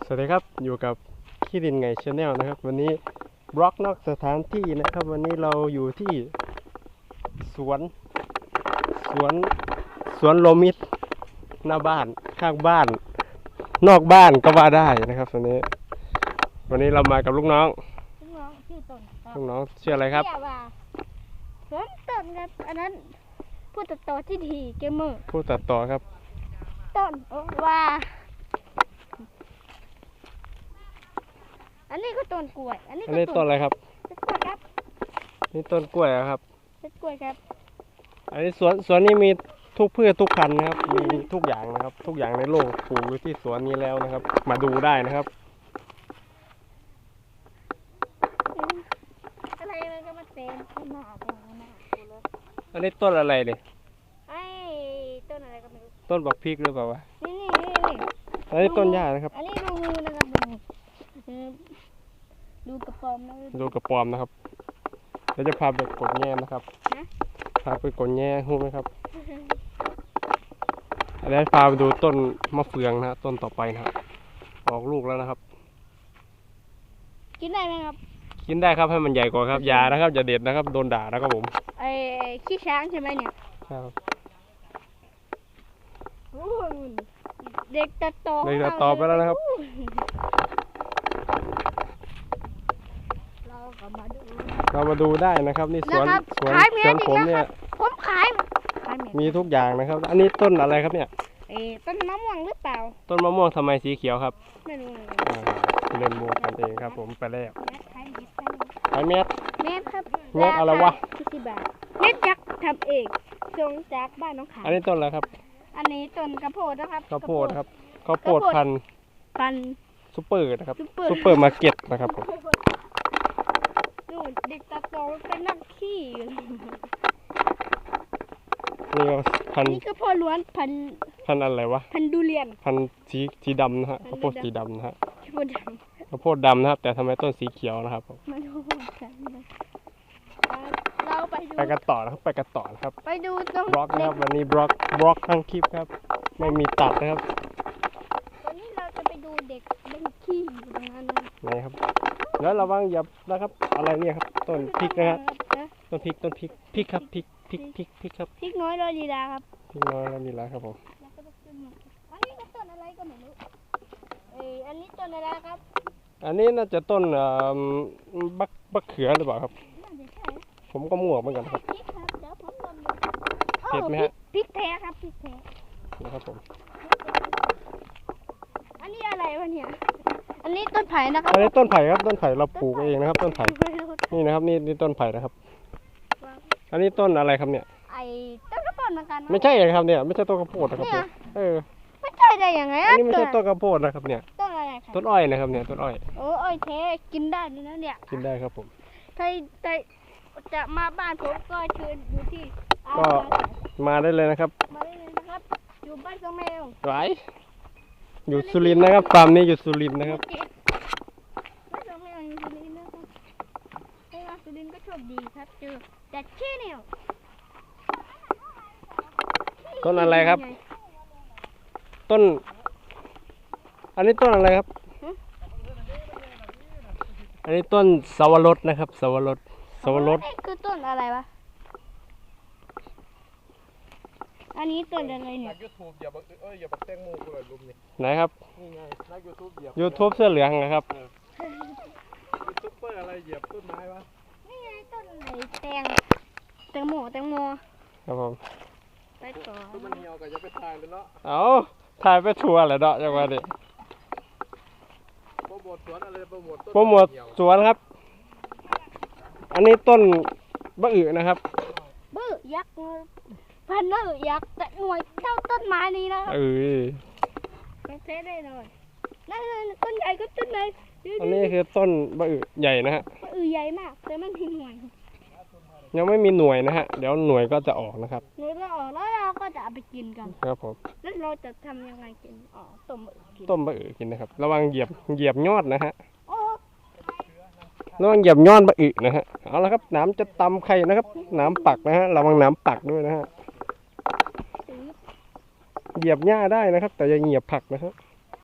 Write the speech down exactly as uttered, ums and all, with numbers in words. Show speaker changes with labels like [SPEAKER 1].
[SPEAKER 1] สวัสดีครับอยู่กับขี้ดินไงชาแนลนะครับวันนี้บล็อกนอกสถานที่นะครับวันนี้เราอยู่ที่สวนสวนสวนโลมิดหน้าบ้านข้างบ้านนอกบ้านก็ว่าได้นะครับวันนี้วันนี้เรามากับลูกน้อง
[SPEAKER 2] ลูกน้องชื่อต้น
[SPEAKER 1] ลูกน้องชื่ออะไรครับ
[SPEAKER 2] ผมต้นครับอันนั้นผู้ตัดต่อที่ดีเกมเมอร์
[SPEAKER 1] ผู้ตัดต่อครับ
[SPEAKER 2] ต้นว่าอันนี้ก็ต้นกล้วยอันนี้
[SPEAKER 1] อันนี้ต้นอะไรครับ
[SPEAKER 2] ต้นกล้วยครับ
[SPEAKER 1] นี่ต้นกล้วยครับ
[SPEAKER 2] ต้นกล้วยครับ
[SPEAKER 1] อันนี้สวนสวนนี้มีทุกพืชทุกพันธุ์นะครับมีทุกอย่างนะครับทุกอย่างในโลกปลูกอยู่ที่สวนนี้แล้วนะครับมาดูได้นะครับ
[SPEAKER 2] อะไรมันก็มาเต็มหน้าเต็มหน้าเลย
[SPEAKER 1] อันนี้ต้นอะไรเนี่ย
[SPEAKER 2] ไอ้ต้นอะไรก็ไม่รู้
[SPEAKER 1] ต้นบักพริกหรือเปล่าวะ
[SPEAKER 2] นี่นี่นี่
[SPEAKER 1] อันนี้ต้นหญ้านะครับ
[SPEAKER 2] อันนี้ดูงูนะครับดูกระป๋อมนะ
[SPEAKER 1] ดูกระป๋อมนะครับเดี๋ยวจะพาไปกดแง่นะครับพาไปกดแง่รู้ไหมครับเดี๋ยวพาไปดูต้นมะเฟืองนะต้นต่อไปนะครับออกลูกแล้วนะครับ
[SPEAKER 2] กินได้ไหมครับ
[SPEAKER 1] กินได้ครับให้มันใหญ่กว่าครับอย่านะครับอย่าเด็ดนะครับโดนด่านะครับผม
[SPEAKER 2] ไอ้ขี้ช้างใช่ไหมเนี่ย
[SPEAKER 1] ครับ
[SPEAKER 2] เด็กตัดต่อ
[SPEAKER 1] เด็กตัดต่อไปแล้วนะครับเรามาดูได้นะครับนี่สวนสวนสวนผมเนี่ย
[SPEAKER 2] ผมขาย
[SPEAKER 1] มีทุกอย่างนะครับอันนี้ต้นอะไรครับเนี่ย
[SPEAKER 2] เอต้นมะม่วงหรือเปล่า
[SPEAKER 1] ต้นมะม่วงทำไมสีเขียวครับ
[SPEAKER 2] ไม่รู้
[SPEAKER 1] เล่นมูกันเองครับผมไปแล้วขายเม็ด
[SPEAKER 2] เม็ดครับ
[SPEAKER 1] เม็ดอะไรวะ
[SPEAKER 2] สิบบาทเม็ดยักษ์ทำเองส่งจากบ้านน้องขาย
[SPEAKER 1] อันนี้ต้นอะไรครับ
[SPEAKER 2] อันนี้ต้นข้าวโพดนะครับ
[SPEAKER 1] ข้าวโพดครับข้าวโพดพัน
[SPEAKER 2] พัน
[SPEAKER 1] ซุปเปอร์นะครับซุปเปอร์มาร์เก็ตนะครับผม
[SPEAKER 2] ดูเด็กตาโตเป็นนักขี้
[SPEAKER 1] นี่ก็พัน
[SPEAKER 2] นี่ก็พอล้วนพัน
[SPEAKER 1] พันอะไรวะ
[SPEAKER 2] พันดูเรียน
[SPEAKER 1] พันสีสีดำนะฮะข้าวโพดสีดำนะฮะ
[SPEAKER 2] ข้าวโพดด
[SPEAKER 1] ำข้าวโพดดำนะครับแต่ทำไมต้นสีเขียวนะครับผม
[SPEAKER 2] เราไปดู
[SPEAKER 1] ไปกันต่อนะครับไปกันต่อนะครับ
[SPEAKER 2] ไปดูตรง
[SPEAKER 1] บล็อกนะครับวันนี้บล็อกบล็อกทั้งคลิปครับไม่มีตัดนะครับ
[SPEAKER 2] วันนี้เราจะไปดูเด็กเล่นขี้อยู่ตรงนั้น
[SPEAKER 1] นะครับแล้วระวังอย่านะครับอะไรเนี่ยครับต้นพริกนะครับต้นพริกต้นพริกพริกครับพริกพริกพริกพริกครับ
[SPEAKER 2] พริกน้อยเราดีดาครับ
[SPEAKER 1] พริกน้อยเราดีดาครับผม
[SPEAKER 2] อันนี้ก็ต้นอะไรก็ไม่รู้เอออันนี้ต้นอะไรครับ
[SPEAKER 1] อันนี้น่าจะต้นบักบักเขือหรือเปล่าครับผมก็มั่วเหมือนกันครับเผ็ดไหมฮะ
[SPEAKER 2] พริกแท้ครับพริกแท้
[SPEAKER 1] นะครับผม
[SPEAKER 2] อันนี้อะไรวะเนี่ยอันนี้ต้นไผ่นะครับ
[SPEAKER 1] อันนี้ต้นไผ่ครับต้นไผ่เราปลูกเองนะครับต้นไผ่นี่นะครับนี่นี่ต้นไผ่นะครับอันนี้ต้นอะไรครับเนี่ย
[SPEAKER 2] ไอ้ต้นกระโพดเหมือนกัน
[SPEAKER 1] ไม่ใช่ครับเนี่ยไม่ใช่ต้นกระโพดนะครับเออ
[SPEAKER 2] ไม่ใช่ได้ยังไง
[SPEAKER 1] อันนี้ไม่ใช่ต้นกระโพดนะครับเนี่ย
[SPEAKER 2] ต้นอะไร
[SPEAKER 1] ต้นอ้อยนะครับเนี่ยต้นอ้อย
[SPEAKER 2] โอ้อ้อยแท้กินได้นี่นะเนี่ย
[SPEAKER 1] กินได้ครับผม
[SPEAKER 2] ใครใครจะมาบ้านผมก็เชิญอยู่ที่
[SPEAKER 1] ก็มาได้เลยนะครับ
[SPEAKER 2] มาได้เลยนะครับอยู่บ้านสองแมว
[SPEAKER 1] ไหวอยู่สุรินทร์นะครับฟาร์มนี้อยู่สุรินทร์นะครับ
[SPEAKER 2] บ้านสองแมวอยู่สุรินทร์นะครับไอ้ว่าสุรินทร์ก็โชคดีครับเจอแต่แค่เนี่ย
[SPEAKER 1] ต้นอะไรครับต้นอันนี้ต้นอะไรครับอันนี้ต้นสวรสนะครับสวรสสวรส
[SPEAKER 2] คือต้นอะไรวะอันนี้ต้นอะไรเนี่ย
[SPEAKER 1] ยูทูบอย่าบักเอ้ยอย่าบักแตงโมกูเลยลุมนี่ไหนครับนี่ไงนักยูทูบเหยียบยูทูบเสื้อเหลืองนะครับยูทูบเบอร์อะไรเหยียบต้นไม้วะ
[SPEAKER 2] นี่ไงต้นอะไรแตงแตงโมแตงโม
[SPEAKER 1] ครับผม
[SPEAKER 2] ไปต่อ
[SPEAKER 1] ต้นมันเหี่ยวก็จะไปถ่ายเลยเนาะเอาถ่ายไปทัวร์เลยเนาะจังหวะนี้โปรโมทสวนอะไรโปรโมทโปรโมทสวนครับอันนี้ต้นบะอึนะครับ
[SPEAKER 2] บะอึยักษ์พันบะอึยักษ์แต่หน่วยเท่าต้นไม้นี้นะ
[SPEAKER 1] เออ
[SPEAKER 2] ต้องเทได้เลยนั่นต้นใหญ่ก็ต้นไหน
[SPEAKER 1] อันนี้คือต้นบะอึใหญ่นะฮะ
[SPEAKER 2] บะอึใหญ่มากแต่ไม่มีหน่วย
[SPEAKER 1] ยังไม่มีหน่วยนะฮะเดี๋ยวหน่วยก็จะออกนะครับ
[SPEAKER 2] หน่วยก็ออกแล้วเราก็จะเอาไปกินกัน
[SPEAKER 1] ครับผม
[SPEAKER 2] แล้วเราจะทำยังไงกินอ๋อต้มบะอึกิน
[SPEAKER 1] ต้มบะอึกินนะครับระวังเหยียบเหยียบยอดนะฮะระวังเหยียบยอดบะอึนะฮะเอาละครับน้ำจะตำไข่นะครับน้ำปักนะฮะระวังน้ำปักด้วยนะฮะเหยียบหญ้าได้นะครับแต่อย่าเหยียบผักนะครับ